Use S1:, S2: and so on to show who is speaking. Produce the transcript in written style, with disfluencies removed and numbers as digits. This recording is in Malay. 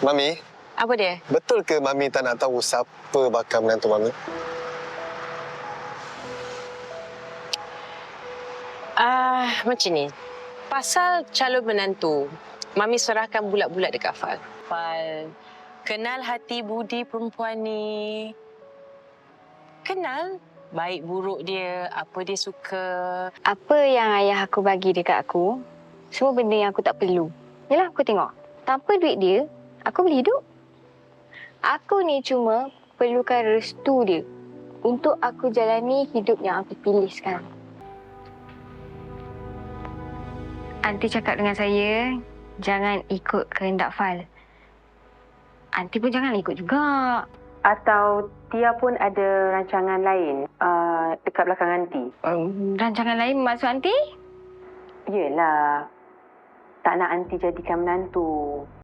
S1: Mami,
S2: Apa dia?
S1: betul ke Mami tak nak tahu siapa bakal menantu Mami?
S2: Macam ni. Pasal calon menantu, Mami serahkan bulat-bulat dekat Fal. Fal, kenal hati budi perempuan ni. Kenal baik buruk dia, apa dia suka.
S3: Apa yang ayah aku bagi dekat aku, semua benda yang aku tak perlu. Yalah, aku tengok. Tanpa duit dia, aku boleh hidup. Aku ni cuma perlukan restu dia untuk aku jalani hidup yang aku pilih sekarang. Aunty cakap dengan saya, jangan ikut kehendak Fal. Aunty pun jangan ikut juga.
S4: Atau Tia pun ada rancangan lain dekat belakang Aunty?
S3: Rancangan lain maksud Aunty?
S4: Yelah, tak nak Aunty jadikan menantu.